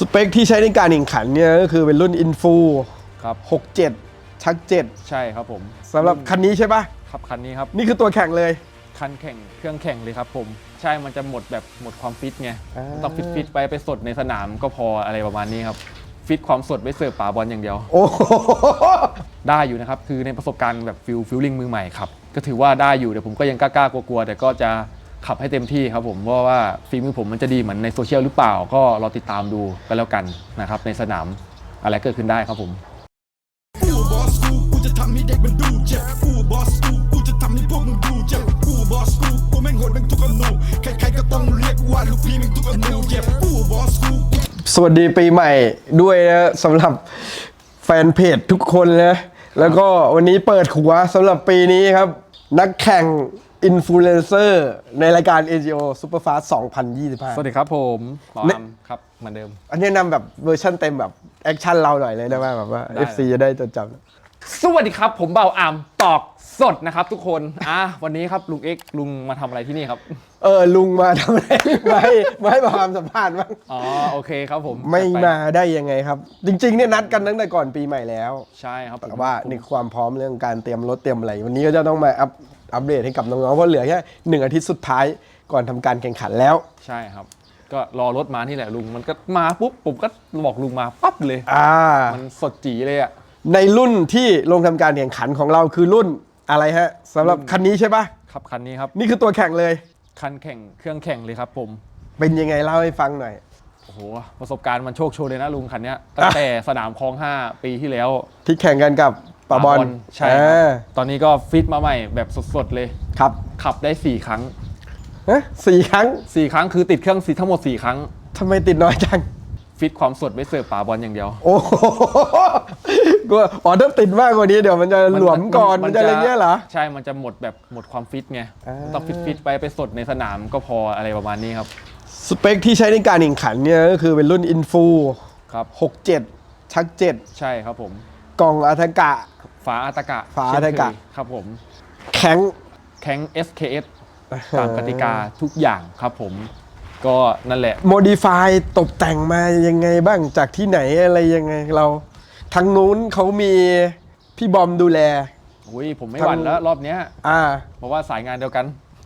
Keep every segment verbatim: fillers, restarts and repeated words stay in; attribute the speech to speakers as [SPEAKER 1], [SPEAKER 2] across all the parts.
[SPEAKER 1] สเปคที่ใช้ในการแข่งขันเนี่ยก็คือเป็นรุ่นอินฟู
[SPEAKER 2] ครับ
[SPEAKER 1] หกเจ็ดชักเจ็ด
[SPEAKER 2] ใช่ครับผม
[SPEAKER 1] สำหรับคันนี้ใช่ปะ
[SPEAKER 2] ครับคันนี้ครับ
[SPEAKER 1] นี่คือตัวแข่งเลย
[SPEAKER 2] คันแข่งเครื่องแข่งเลยครับผมใช่มันจะหมดแบบหมดความฟิตไงต้องฟิตฟิตไปไปสดในสนามก็พออะไรประมาณนี้ครับฟิตความสดไว้เสิร์ฟป่าบอลอย่างเดียว
[SPEAKER 1] โอ้
[SPEAKER 2] ได้อยู่นะครับคือในประสบการณ์แบบฟิลฟิลลิ่งมือใหม่ครับก็ถือว่าได้อยู่เดี๋ยวผมก็ยังกล้าๆกลัวๆแต่ก็จะขับให้เต็มที่ครับผมเพราะว่าฝีมือผมมันจะดีเหมือนในโซเชียลหรือเปล่าก็รอติดตามดูกันแล้วกันนะครับในสนามอะไรเกิดขึ้นได้ครับผม
[SPEAKER 3] กูบอสกูกูจะทำให้เด็กมันดูเจ็บกูบอสกูกูจะทำให้พวกมึงดูเจ็บกูบอสกูกูแม่งโหดแม่งทุกอนูใครๆก็ต้องเรียกว่าลูกพี่แม่งทุกอนูเจ็บกูบอสกู
[SPEAKER 1] สวัสดีปีใหม่ด้วยนะสำหรับแฟนเพจทุกคนนะแล้วก็วันนี้เปิดหัวสำหรับปีนี้ครับนักแข่งอินฟลูเอนเซอร์ในรายการ เอ จี โอ Superfast สองพันยี่สิบห้า
[SPEAKER 2] สวัสดีครับผมหมออามครับเหมือนเดิม
[SPEAKER 1] อันนี้นำแบบเวอร์ชันเต็มแบบแอคชั่นเราหน่อยเลยได้ไหมแบบว่า เอฟ ซี จะได้จดจำ
[SPEAKER 2] สวัสดีครับผมเบาอามตอกสดนะครับทุกคนอ่ะวันนี้ครับลุงเอ็กลุงมาทำอะไรที่นี่ครับ
[SPEAKER 1] เออลุงมาทำอะไรมาให้มาให้ความสัมภาษณ์บ้าง
[SPEAKER 2] อ๋อโอเคครับผม
[SPEAKER 1] ไม่มาได้ยังไงครับจริงๆเนี่ยนัดกันตั้งแต่ก่อนปีใหม่แล้ว
[SPEAKER 2] ใช่ครับ
[SPEAKER 1] แต่ว่าในความพร้อมเรื่องการเตรียมรถเตรียมอะไรวันนี้ก็จะต้องมาอัปอัปเดตให้กับน้องๆเพราะเหลือแค่หนึ่งอาทิตย์สุดท้ายก่อนทำการแข่งขันแล้ว
[SPEAKER 2] ใช่ครับก็รอรถมาที่แหละลุงมันก็มาปุ๊บผมก็บอกลุงมาปั๊บเลย
[SPEAKER 1] อ่า
[SPEAKER 2] มันสดจีเลยอ่ะ
[SPEAKER 1] ในรุ่นที่ลงทำการแข่งขันของเราคือรุ่นอะไรฮะสำหรับคันนี้ใช่ปะ
[SPEAKER 2] ครับคันนี้ครับ
[SPEAKER 1] นี่คือตัวแข่งเลย
[SPEAKER 2] คันแข่งเครื่องแข่งเลยครับผม
[SPEAKER 1] เป็นยังไงเล่าให้ฟังหน่อย
[SPEAKER 2] โอ้โหประสบการณ์มันโชคโชนเลยนะลุงคันนี้ตั้งแต่สนามคลองห้าปีที่แล้ว
[SPEAKER 1] ที่แข่งกันกับป่าบอล
[SPEAKER 2] ใช่ครับตอนนี้ก็ฟิตมาใหม่แบบสดๆเลย
[SPEAKER 1] ครับ
[SPEAKER 2] ขับได้สี่ครั้ง
[SPEAKER 1] ฮะสี่ครั้ง
[SPEAKER 2] สี่ครั้งคือติดเครื่องทั้งหมดสี่ครั้ง
[SPEAKER 1] ทำไมติดน้อยจัง
[SPEAKER 2] ฟิตความสดไว้เสิร์ฟป่าบอลอย่างเดียว
[SPEAKER 1] โอ้ก็อ๋อถ้าติดมากกว่านี้เดี๋ยวมันจะหลวมก่อนมันจะอะไรเงี้ยเหรอ
[SPEAKER 2] ใช่มันจะหมดแบบหมดความฟิตไงต้องฟิตฟิตไปไปสดในสนามก็พออะไรประมาณนี้ครับ
[SPEAKER 1] สเปคที่ใช้ในการแข่งขันเนี่ยก็คือเป็นรุ่นอินฟู
[SPEAKER 2] ครับ
[SPEAKER 1] หกเจ็ดชักเจ็ด
[SPEAKER 2] ใช่ครับผม
[SPEAKER 1] กล่องอัตกะ
[SPEAKER 2] ฝาอัตกะ
[SPEAKER 1] ฝาอัตกะ
[SPEAKER 2] ครับผม
[SPEAKER 1] แข็ง
[SPEAKER 2] แข็ง เอส เค เอส ตามกติกาทุกอย่างครับผมก็นั่นแหละ
[SPEAKER 1] โมดิฟายตกแต่งมายังไงบ้างจากที่ไหนอะไรยังไงเราทางนู้นเขามีพี่บอมดูแล
[SPEAKER 2] อุ้ยผมไม่หวั่นแล้วรอบเนี้ย
[SPEAKER 1] อ่า
[SPEAKER 2] เพราะว่าสายงานเดียวกัน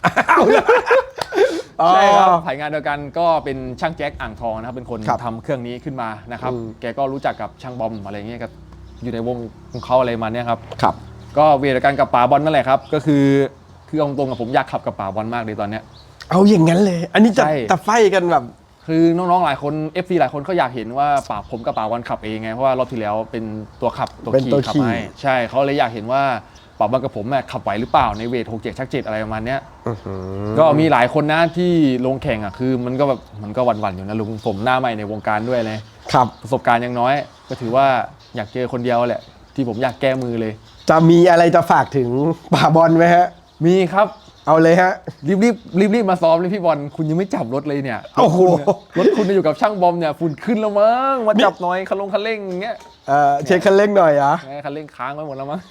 [SPEAKER 2] ใช่ครับสายงานเดียวกันก็เป็นช่างแจ็คอ่างทองนะครับเป็นคนทำเครื่องนี้ขึ้นมานะครับแกก็รู้จักกับช่างบอมอะไรเงี้ยก็อยู่ในวงของเขาอะไรมาเนี่ยครับ
[SPEAKER 1] ครับ
[SPEAKER 2] ก็เวทกันกับป๋าบอลนั่นแหละครับก็คือคือตรงๆกับผมอยากขับกับป๋าบอลมากเลยตอนเนี้ย
[SPEAKER 1] เอาอย่างนั้นเลยอันนี้จะจะไฟกันแบบ
[SPEAKER 2] คือน้องๆหลายคน เอฟ ซี หลายคนเขาอยากเห็นว่าป๋าผมกับป๋าบอลขับเองไงเพราะว่ารอบที่แล้วเป็นตัวขับตัวขี่ขับให้ใช่เขาเลยอยากเห็นว่าป๋าบอลกับผมขับไหวหรือเปล่าในเวทหกเจ็ดชักเจ็ดอะไรประมาณเนี้ยก็มีหลายคนนะที่ลงแข่งอ่ะคือมันก็แบบมันก็หวั่นๆอยู่นะลุงผมหน้าใหม่ในวงการด้วยเลย
[SPEAKER 1] ครับ
[SPEAKER 2] ประสบการณ์ยังน้อยก็ถือว่าอยากเจอคนเดียวแหละที่ผมอยากแก้มือเลย
[SPEAKER 1] จะมีอะไรจะฝากถึงป๋าบอลไหมฮะ
[SPEAKER 2] มีครับ
[SPEAKER 1] เอาเลยฮะ
[SPEAKER 2] รีบรีบรีบรีบมาซ้อมเลยพี่บอลคุณยังไม่จับรถเลยเนี่ย
[SPEAKER 1] โอ้โห
[SPEAKER 2] รถคุณอยู่กับช่างบอมเนี่ยฝุ่นขึ้นแล้วมั้งมาจับหน่อยคันลงคันเร่งอย่างเงี้ย
[SPEAKER 1] เออเช็คคันเร่งหน่อยอ่ะ
[SPEAKER 2] คันเร่งค้างไว้หมดแล้วมั้ง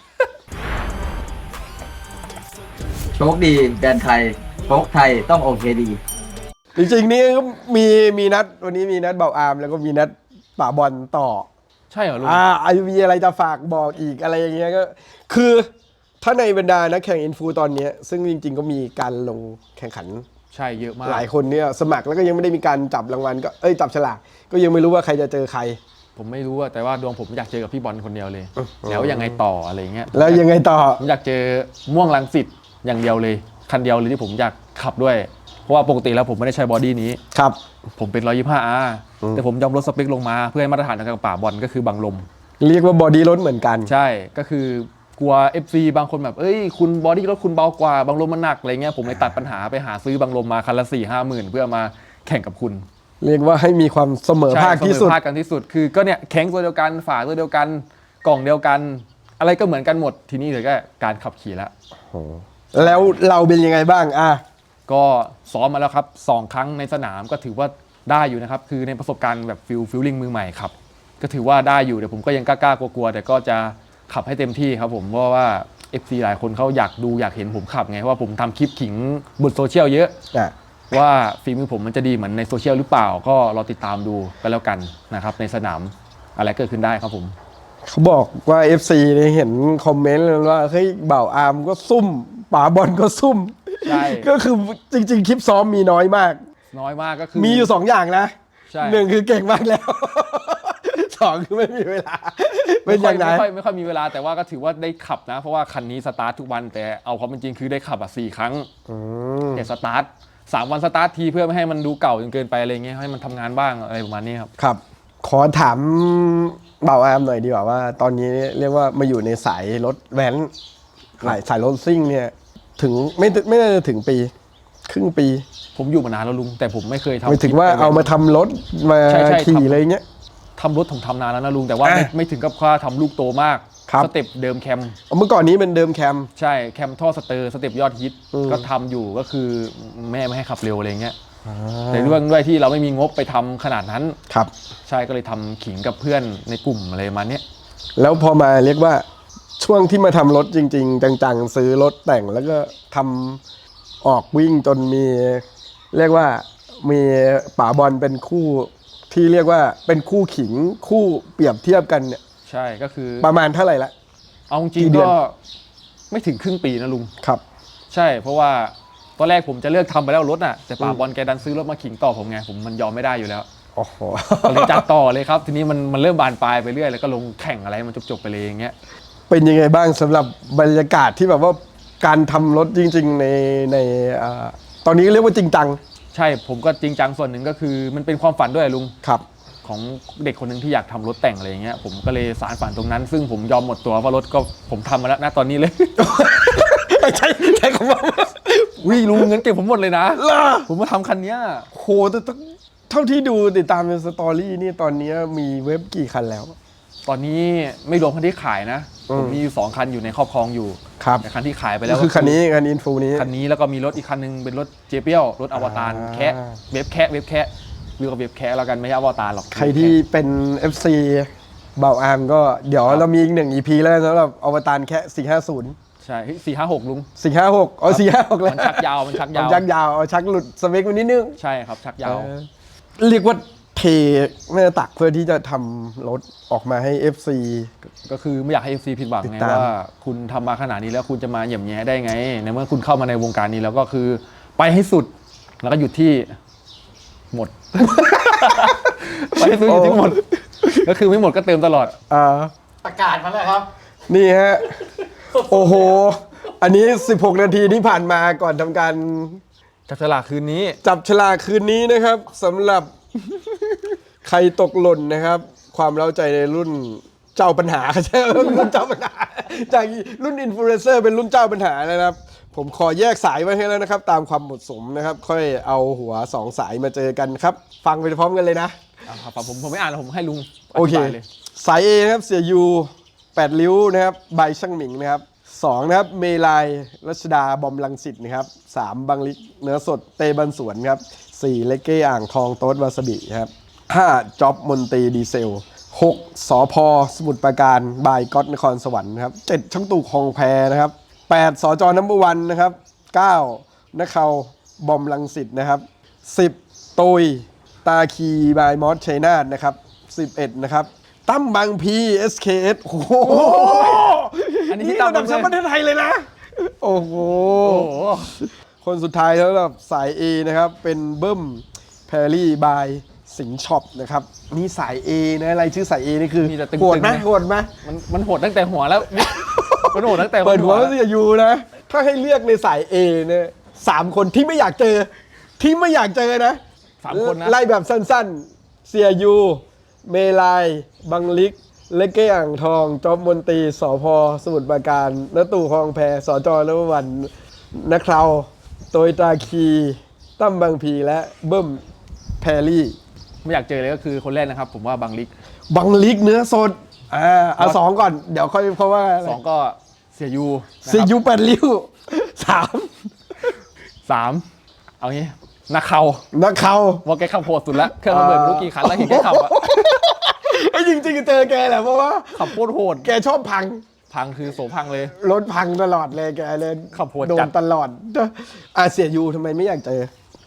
[SPEAKER 4] โชคดีแบรนด์ไทยโชคไทยต้องโอเคดี
[SPEAKER 1] จริงๆนี่ก็มีมีนัดวันนี้มีนัดเบาอามแล้วก็มีนัดป๋าบอลต่อ
[SPEAKER 2] ใช่เหรอลุง
[SPEAKER 1] อ่าอายุมีอะไรจะฝากบอกอีกอะไรอย่างเงี้ยก็คือถ้าในบรรดานักแข่งอินฟูตอนนี้ซึ่งจริงๆก็มีการลงแข่งขัน
[SPEAKER 2] ใช่เยอะมาก
[SPEAKER 1] หลายคนเนี่ยสมัครแล้วก็ยังไม่ได้มีการจับรางวัลก็เอ้ยจับฉลากก็ยังไม่รู้ว่าใครจะเจอใคร
[SPEAKER 2] ผมไม่รู้แต่ว่าดวงผมอยากเจอกับพี่บอลคนเดียวเลยแล้วยังไงต่ออะไรเงี้ย
[SPEAKER 1] แล้วยังไงต่อ
[SPEAKER 2] ผมอยากเจอม่วงรังสิตอย่างเดียวเลยคันเดียวเลยที่ผมอยากขับด้วยเพราะว่าปกติแล้วผมไม่ได้ใช้บอดี้นี้
[SPEAKER 1] ครับ
[SPEAKER 2] ผมเป็นหนึ่งร้อยยี่สิบห้า อาร์ แต่ผมยอมลดสเปคลงมาเพื่อให้มาตรฐานกับป่าบอลก็คือบังลม
[SPEAKER 1] เรียกว่าบอดี้รถเหมือนกัน
[SPEAKER 2] ใช่ก็คือกลัว เอฟ ซี บางคนแบบเอ้ยคุณบอดี้รถคุณเบากว่าบังลมมันหนักอะไรเงี้ยผมเลยตัดปัญหาไปหาซื้อบังลมมาคันละสี่ห้าหมื่นเพื่อมาแข่งกับคุณ
[SPEAKER 1] เรียกว่าให้มีความเสมอภาคที่สุด
[SPEAKER 2] เสมอภาคกันที่สุดคือก็เนี่ยแข็งตัวเดียวกันฝาตัวเดียวกันกล่องเดียวกันอะไรก็เหมือนกันหมดทีนี้เหลือแค่การขับขี่แล้ว
[SPEAKER 1] แล้วเราเป็นยังไงบ้างอ่ะ
[SPEAKER 2] ก็ซ้อมมาแล้วครับสองครั้งในสนามก็ถือว่าได้อยู่นะครับคือในประสบการณ์แบบฟิลฟิลลิ่งมือใหม่ครับก็ถือว่าได้อยู่เดี๋ยวผมก็ยังกล้าๆกลัวๆแต่ก็จะขับให้เต็มที่ครับผมเพราะว่า เอฟ ซี หลายคนเขาอยากดูอยากเห็นผมขับไงเพราะว่าผมทำคลิปขิงบนโซเชียลเยอะว่าฝีมือผมมันจะดีเหมือนในโซเชียลหรือเปล่าก็รอติดตามดูกันแล้วกันนะครับในสนามอะไรเกิดขึ้นได้ครับผม
[SPEAKER 1] เขาบอกว่า เอฟ ซี เนี่ยเห็นคอมเมนต์เลยว่าเฮ้ยบ่าวอาร์มก็ซุ่มป๋าบอลก็ซุ่ม
[SPEAKER 2] ใช่
[SPEAKER 1] ก็คือจริงๆ คลิปซ้อมมีน้อยมาก
[SPEAKER 2] น้อยมากก็คือ
[SPEAKER 1] มีอยู่สองอย่างนะ
[SPEAKER 2] ใช่
[SPEAKER 1] หนึ่งคือเก่งมากแล้ว สองคือไม่มีเวลา เป็นอย่างไร
[SPEAKER 2] ไม่ค่อยไม่ค่อยมีเวลาแต่ว่าก็ถือว่าได้ขับนะ เพราะว่าคันนี้สตาร์ททุกวันแต่เอาความเป็นจริงคือได้ขับอ่ะสี่ครั้งแต่สตาร์ทสามวันสตาร์ททีเพื่อไม่ให้มันดูเก่าจนเกินไปอะไรเงี้ยให้มันทำงานบ้างอะไรประมาณนี้ครับ
[SPEAKER 1] ครับ ขอถามบ่าวอาร์มหน่อยดีกว่าว่า ตอนนี้เรียกว่ามาอยู่ในสายรถแว้นสายสายรถซิ่งเนี่ย ถึงไม่ไม่น่าจะถึงปี ครึ่งปี
[SPEAKER 2] ผมอยู่มานานแล้วลุงแต่ผมไม่เคยทำ
[SPEAKER 1] ไม่ถึงว่าเอามาทำรถมา
[SPEAKER 2] ใช่ใช่
[SPEAKER 1] ขี่
[SPEAKER 2] ทำ
[SPEAKER 1] อะไรเงี้ย
[SPEAKER 2] ทำรถผมทำนานแล้วนะลุงแต่ว่าไม่
[SPEAKER 1] อ่ะ
[SPEAKER 2] ไม่ถึงกับว่าทำลูกโตมาก
[SPEAKER 1] ครับ
[SPEAKER 2] สเต็ปเดิมแคม
[SPEAKER 1] เมื่อก่อนนี้เป็นเดิมแคม
[SPEAKER 2] ใช่แคมท่อสเตอร์สเต็ปยอดฮิต
[SPEAKER 1] อืม
[SPEAKER 2] ก็ทำอยู่ก็คือแม่ไม่ให้ขับเร็วอะไรเงี้ยแต่เรื่องด้วยที่เราไม่มีงบไปทำขนาดนั้น
[SPEAKER 1] ครับ
[SPEAKER 2] ใช่ก็เลยทำขิงกับเพื่อนในกลุ่มอะไรประมาณเนี้ย
[SPEAKER 1] แล้วพอมาเรียกว่าช่วงที่มาทำรถจริง ๆ จังๆ ซื้อรถแต่งแล้วก็ทำออกวิ่งจนมี เรียกว่ามีป๋าบอลเป็นคู่ที่เรียกว่าเป็นคู่ขิงคู่เปรียบเทียบกันเนี่ย
[SPEAKER 2] ใช่ก็คือ
[SPEAKER 1] ประมาณเท่าไหร่ละ
[SPEAKER 2] เอาจ
[SPEAKER 1] กี่
[SPEAKER 2] ริง
[SPEAKER 1] เดื
[SPEAKER 2] ๆ
[SPEAKER 1] อน
[SPEAKER 2] ก็ไม่ถึงครึ่งปีนะลุง
[SPEAKER 1] ครับ
[SPEAKER 2] ใช่เพราะว่าตอนแรกผมจะเลิกทำไปแล้วรถน่ะแต่ป่าบอลแกดันซื้อรถมาขิงต่อผมไงผมมันยอมไม่ได้อยู่แล้ว
[SPEAKER 1] โอ้โห
[SPEAKER 2] ก็เลยจัดต่อเลยครับทีนี้มันมันเริ่มบานปลายไปเรื่อยแล้วก็ลงแข่งอะไรมันจบๆไปเลยอย่างเงี้ย
[SPEAKER 1] เป็นยังไงบ้างสำหรับบรรยากาศที่แบบว่าการทำรถจริง ๆ ในในอ่าตอนนี้เรียกว่าจริงจัง
[SPEAKER 2] ใช่ผมก็จริงจังส่วนหนึ่งก็คือมันเป็นความฝันด้วยลุง
[SPEAKER 1] ครับ
[SPEAKER 2] ของเด็กคนหนึ่งที่อยากทำรถแต่งอะไรอย่างเงี้ยผมก็เลยสารฝันตรงนั้น ซึ่งผมยอมหมดตัวเพราะรถก็ผมทำมาแล้วนะตอนนี้เลย
[SPEAKER 1] ใช่ใช่คำว่า
[SPEAKER 2] วิ่งลุงเงินเก็บผมหมดเลยนะ
[SPEAKER 1] ล่ะ
[SPEAKER 2] ผมมาทำคันเนี้ย
[SPEAKER 1] โหแต่ต้องเท่าที่ดูติดตามในสตอรี่นี่ตอนนี้มีเว็บกี่คันแล้ว
[SPEAKER 2] ตอนนี้ไม่รวมคันที่ขายนะ
[SPEAKER 1] อืม
[SPEAKER 2] ผมมีอยู่สองคันอยู่ในครอบครองอยู่
[SPEAKER 1] ครับ
[SPEAKER 2] แต่คันที่ขายไปแล้
[SPEAKER 1] ก็
[SPEAKER 2] ว
[SPEAKER 1] คือคันนี้คันอินฟูนี้
[SPEAKER 2] คันนี้แล้วก็มีรถอีกคันนึงเป็นรถเจเปียวรถอวตาร
[SPEAKER 1] อ่า
[SPEAKER 2] แคะเว็บแคะเว็บแคะเรียกว่าเว็บแคะแล้วกันไม่ใช่อวตารหรอก
[SPEAKER 1] ใครที่เป็น เอฟ ซี เบาอาร์มก็เดี๋ยวเรามีอีกหนึ่ง อี พี แล้วสำหรับอวตารแค่สี่ห้าศูนย์
[SPEAKER 2] ใช่สี่ห้าหกลุง
[SPEAKER 1] สี่ห้าหกอ๋อสี่ห้าหกแล้ว
[SPEAKER 2] มันชักยาวมันชักยาว
[SPEAKER 1] มันชักยาวเอาชักหลุดสเปคมันนิดนึง
[SPEAKER 2] ใช่ครับชักยาว
[SPEAKER 1] เออเรียกว่าเทแม่ตักเพื่อที่จะทำรถออกมาให้ เอฟ ซี
[SPEAKER 2] ก็คือไม่อยากให้ เอฟ ซี ผิดหวัง
[SPEAKER 1] ติด
[SPEAKER 2] ไง
[SPEAKER 1] ตาม
[SPEAKER 2] ว่าคุณทำมาขนาดนี้แล้วคุณจะมาเหยี่ยมแย่ได้ไง ในเมื่อคุณเข้ามาในวงการนี้แล้วก็คือไปให้สุดแล้วก็หยุดที่หมด ไปให้สุดหยุดที่หมด ก็คือไม่หมดก็เติมตลอด
[SPEAKER 1] อ่า
[SPEAKER 5] ประกาศมาแล้วครับ
[SPEAKER 1] นี่ฮะ โอ้โห อันนี้ สิบหก นาทีที่ผ่านมาก่อนทำการ
[SPEAKER 2] จับฉลากคืนนี้
[SPEAKER 1] จับฉลากคืนนี้นะครับสำหรับ ใครตกหล่นนะครับ ความเล้าใจในรุ่นเจ้าปัญหา ใช่ไหมรุ่นเจ้าปัญหา จากรุ่นอินฟลูเอนเซอร์เป็นรุ่นเจ้าปัญหานะครับ ผมขอแยกสายไว้ให้แล้วนะครับ ตามความเหมาะสมนะครับ ค่อยเอาหัวสองสายมาเจอกันครับ ฟังไปพร้อมกันเลยนะ
[SPEAKER 2] อ่ะครับผมผมไม่อ่านแล้วผมให้ลุง
[SPEAKER 1] โอเค
[SPEAKER 2] ธิบายเลย
[SPEAKER 1] สาย A นะครับเสียยูแปดริ้วนะครับใบช่างหมิงนะครับสองนะครับเมลายรัชดาบอมลังสิตนะครับสามบังลิกเนื้อสดเตบันสวนครับสี่เลเก้อ่างทองโต๊ดวาซาบิครับห้าจ็อบมนตรีดีเซลหกสอพอสมุทรปราการบายก๊อตนครสวรรค์นะครับเจ็ดช่างตู่คลองแพนะครับแปดสจนัมเบอร์วันนะครับเก้านักเขาบอมลังสิตนะครับสิบตุยตาคีบายมอสชัยนาทนะครับสิบเอ็ดนะครับตั้มบางพี เอส เค เอส โอ้โห
[SPEAKER 2] อันนี้
[SPEAKER 1] นี่
[SPEAKER 2] ที่ตาม
[SPEAKER 1] ระดับแชมป์ประเทศไทยเลยนะ โอ้โห
[SPEAKER 2] โอ้โห
[SPEAKER 1] คนสุดท้ายแล้วแบบสาย A นะครับ เป็นเบิ้มแพรรี่บายสิงห์ช็อปนะครับ นี่สาย A นะอะไรชื่อสาย A นี่คือ
[SPEAKER 2] มีแต่ตึงๆ
[SPEAKER 1] โหดไหม
[SPEAKER 2] นะ
[SPEAKER 1] โหดไหม
[SPEAKER 2] มันมันโหดตั้งแต่หัวแล้ว มันโหดตั้งแต่
[SPEAKER 1] เปิดหัว
[SPEAKER 2] แล้ว
[SPEAKER 1] ก็จะอยู่นะ ถ้าให้เลือกในสาย A เนี่ยสามคนที่ไม่อยากเจอ ที่ไม่อยากเจอนะ
[SPEAKER 2] สามคนนะ
[SPEAKER 1] ไล่แบบสั้นๆ เสียยู เมลาย บังลิก เลกเก้อ่างทองจอบมนตรีสอพอสมุทรปราการนตู่คลองแพสจนววันนักเคราโตยตาคีตั้มบางพีและเบิ้มแพรรี่
[SPEAKER 2] ไม่อยากเจอเลยก็คือคนแรกนะครับ ผมว่าบังลิก
[SPEAKER 1] บังลิกเนื้อสดอ่าเอาสองก่อน เดี๋ยวค่อยเพราะว่าอะไร
[SPEAKER 2] สองก็เสียยูนะครับ
[SPEAKER 1] เสียยูแปดริ้วสาม
[SPEAKER 2] สามเอางี้นักเขา
[SPEAKER 1] นักเขา
[SPEAKER 2] ว่าแกขับโหดสุดแล้วเครื่องระเบิดไม่รู้กี่คันแล้วเห็นแกขับอะ
[SPEAKER 1] ไอ้จริงๆเจอแกแหละเพราะว่า
[SPEAKER 2] ขับโคตรโหด
[SPEAKER 1] แกชอบพัง
[SPEAKER 2] พังคือโสพังเลย
[SPEAKER 1] รถพังตลอดเลยแกเลย
[SPEAKER 2] ขับโหด
[SPEAKER 1] โด
[SPEAKER 2] จั
[SPEAKER 1] น
[SPEAKER 2] ด
[SPEAKER 1] ตลอดอ่ะเสียยูทำไมไม่อยากเจอ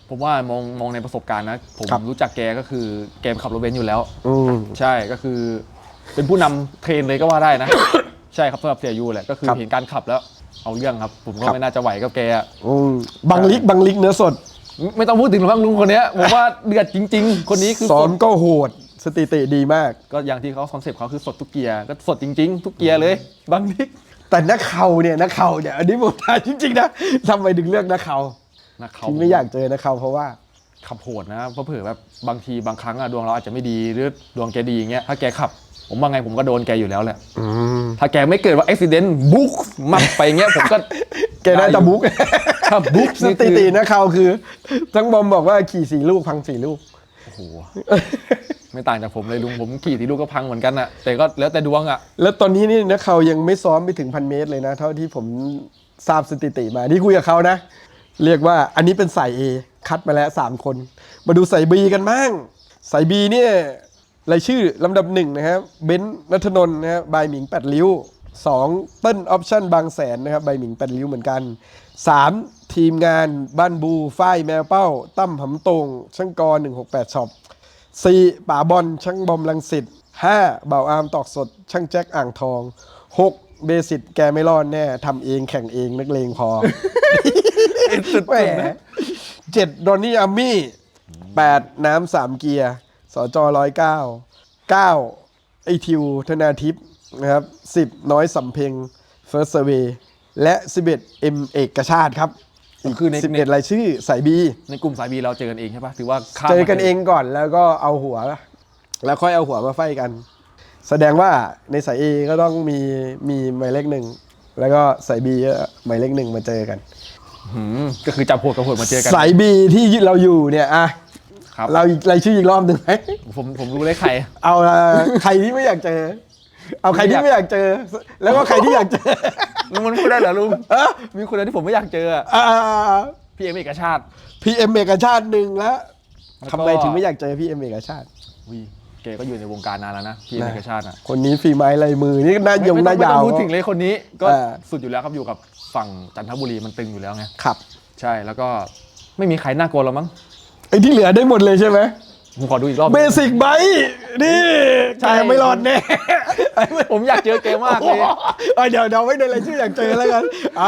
[SPEAKER 2] ผมว่ามองมองในประสบการณ์นะผม
[SPEAKER 1] ครับ
[SPEAKER 2] รู้จักแกก็คือแกขับรถเบนซ์อยู่แล้ว
[SPEAKER 1] อืม
[SPEAKER 2] ใช่ก็คือเป็นผู้นำเทรนเลยก็ว่าได้นะ ใช่ครับสำหรับเสียยูแหละก็คือ
[SPEAKER 1] ครับ
[SPEAKER 2] เห็นการขับแล้วเอาเรื่องครับ ผมก็
[SPEAKER 1] ครับ
[SPEAKER 2] ไม่น่าจะไหวกับแกอะ
[SPEAKER 1] อืมบางลิกบางลิกเนื้อสด
[SPEAKER 2] ไม่ไม่ต้องพูดถึงหรอกมั้งลุงคนเนี้ยผมว่าเดือดจริง ๆ คนนี้คือ
[SPEAKER 1] ซ้อ
[SPEAKER 2] ส
[SPEAKER 1] ม
[SPEAKER 2] ด
[SPEAKER 1] ก็โหดสถิติดีมาก
[SPEAKER 2] ก็อย่างที่เขาคอนเซปต์เขาคือสดทุกเกียร์ก็สดจริง ๆ ทุกเกียร์เลยบางที
[SPEAKER 1] แต่นักเข่าเนี่ยนักเข่าเนี่ยอันนี้ผมถามจริงๆนะทำไมถึงเลือกนักเข่า
[SPEAKER 2] นะเขา
[SPEAKER 1] ที่ไม่อยากเจอนักเข่าเพราะว่า
[SPEAKER 2] ขับโหดนะเพราะเผื่อแบบบางทีบางครั้งอะดวงเราอาจจะไม่ดีหรือดวงแกดีอย่างเงี้ยถ้าแกขับ ผมว่าไงผมก็โดนแกอยู่แล้วแหละถ้าแกไม่เกิดว่าอุบิเหตุบุ๊กมักไปเงี้ยผมก็
[SPEAKER 1] แกน่าจะบุ๊ก
[SPEAKER 2] ถ้าบุ๊ก
[SPEAKER 1] ส
[SPEAKER 2] นี่
[SPEAKER 1] ถิ
[SPEAKER 2] คือ
[SPEAKER 1] ตินักเข่าคือ ทั้งบอมบอกว่าขี่สี่ลูกพังสี่ลูก
[SPEAKER 2] โอ้โหไม่ต่างจากผมเลยลุงผมขี่ที่ลูกก็พังเหมือนกันอะแต่ก็แล้วแต่ดวงอะ
[SPEAKER 1] แล้วตอนนี้นี่นักเข่ายังไม่ซ้อมไปถึงพันเมตรเลยนะ เท่าที่ผมทราบสถิติมาที่คุยกับเขานะ เรียกว่าอันนี้เป็นสาย A คัดมาแล้วสามคน มาดูสาย B กันบ้างสาย B เนี่ยรายชื่อลำดับหนึ่งนะครับเบนซ์ณัฐนนท์นะครับบายหมิงแปดริ้วสองเติ้ลออปชั่นบางแสนนะครับบายหมิงแปดริ้วเหมือนกันสามทีมงานบ้านบูฝ้ายแมวเป้าตั้มหำตรงช่างกรหนึ่งหกแปดช็อปสี่ป่าบอลช่างบอมลังสิตห้าเบาอาร์มตอกสดช่างแจ็คอ่างทองหกเบสิตแกไม่รอดแน่ทำเองแข่งเองนักเลงพอ แหมเจ็ดดอนนี่อาร์มี่แปดน้ำสามเกียร์สจร้อยเก้าเก้าไอทิวธนาทิพย์นะครับสิบน้อยสำเพ็งเฟิร์สเซเวและสิบเอ็ดเอ็มเอกชาติครับอีก
[SPEAKER 2] คือใน
[SPEAKER 1] สิบเอ็ดรายชื่อสายบี
[SPEAKER 2] ในกลุ่มสายบีเราเจอกันเองใช่ปะถือว่าข้าม
[SPEAKER 1] เจอ
[SPEAKER 2] มา
[SPEAKER 1] กันเองก่อนแล้วก็เอาหัว แล้วค่อยเอาหัวมาไฟกัน แสดงว่าในสายเอก็ต้องมีมีหมายเลขหนึ่งแล้วก็สายบีหมายเลขหนึ่งมาเจอกัน
[SPEAKER 2] หืมก็คือจับหัวกับหัวมาเจอกัน
[SPEAKER 1] สายบีที่เราอยู่เนี่ยอะ
[SPEAKER 2] ครับ
[SPEAKER 1] เราอีกรายชื่ออีกรอบหนึ่งไหม
[SPEAKER 2] ผมผมรู้เลยใคร
[SPEAKER 1] เอาละใครที่ไม่อยากเจอ เอาใครที่ไม่อยากเจอ แล้วก็ใครที่อยากเจอ
[SPEAKER 2] ลุงมันพูดได้เหรอลุง
[SPEAKER 1] เออ
[SPEAKER 2] มีคนเดียวที่ผมไม่อยากเจออะ
[SPEAKER 1] อ่า
[SPEAKER 2] พี่เอ็มเอกชาติ
[SPEAKER 1] พีเอ็มเอกชาติหนึ่งแล้ว
[SPEAKER 2] แล้วก็
[SPEAKER 1] ทำไมถึงไม่อยากเจอพี่เอ็มเอกชาติ
[SPEAKER 2] วิแกก็อยู่ในวงการนานแล้วนะพี่เอ็มเอกชาติอะ
[SPEAKER 1] คนนี้ฝีไม้ลายมือนี่หน้ายง
[SPEAKER 2] ไม่
[SPEAKER 1] ห
[SPEAKER 2] ต้อ
[SPEAKER 1] น้าง
[SPEAKER 2] ไม่
[SPEAKER 1] ยา
[SPEAKER 2] ต้อ
[SPEAKER 1] ว
[SPEAKER 2] งพูดถึงเลยคนนี้ก็
[SPEAKER 1] เออ
[SPEAKER 2] สุดอยู่แล้วครับอยู่กับฝั่งจันทบุรีมันตึงอยู่แล้วไง
[SPEAKER 1] ครับ
[SPEAKER 2] ใช่แล้วก็ไม่มีใครน่ากลัวแล้วมั้ง
[SPEAKER 1] ไอ้ที่เหลือได้หมดเลยใช่ไหม
[SPEAKER 2] ผมขอดูอีกรอบ
[SPEAKER 1] เบสิกไบนี่
[SPEAKER 2] ใช่
[SPEAKER 1] แกไม่รอดแน่
[SPEAKER 2] ผมอยากเจอแกมากเลย
[SPEAKER 1] เอาเดี๋ยวเดี๋ยวไว้ในรายชื่ออยากเจอแล้วกัน เอา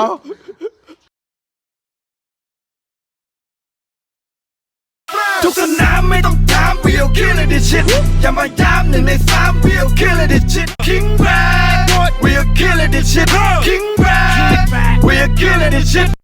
[SPEAKER 3] ทุกสนามไม่ต้องถาม we'll kill it this shit อย่ามาย้ำหนึ่งในสาม we'll kill it this shit King Brad we'll kill it this shit King Brad we'll kill it this shit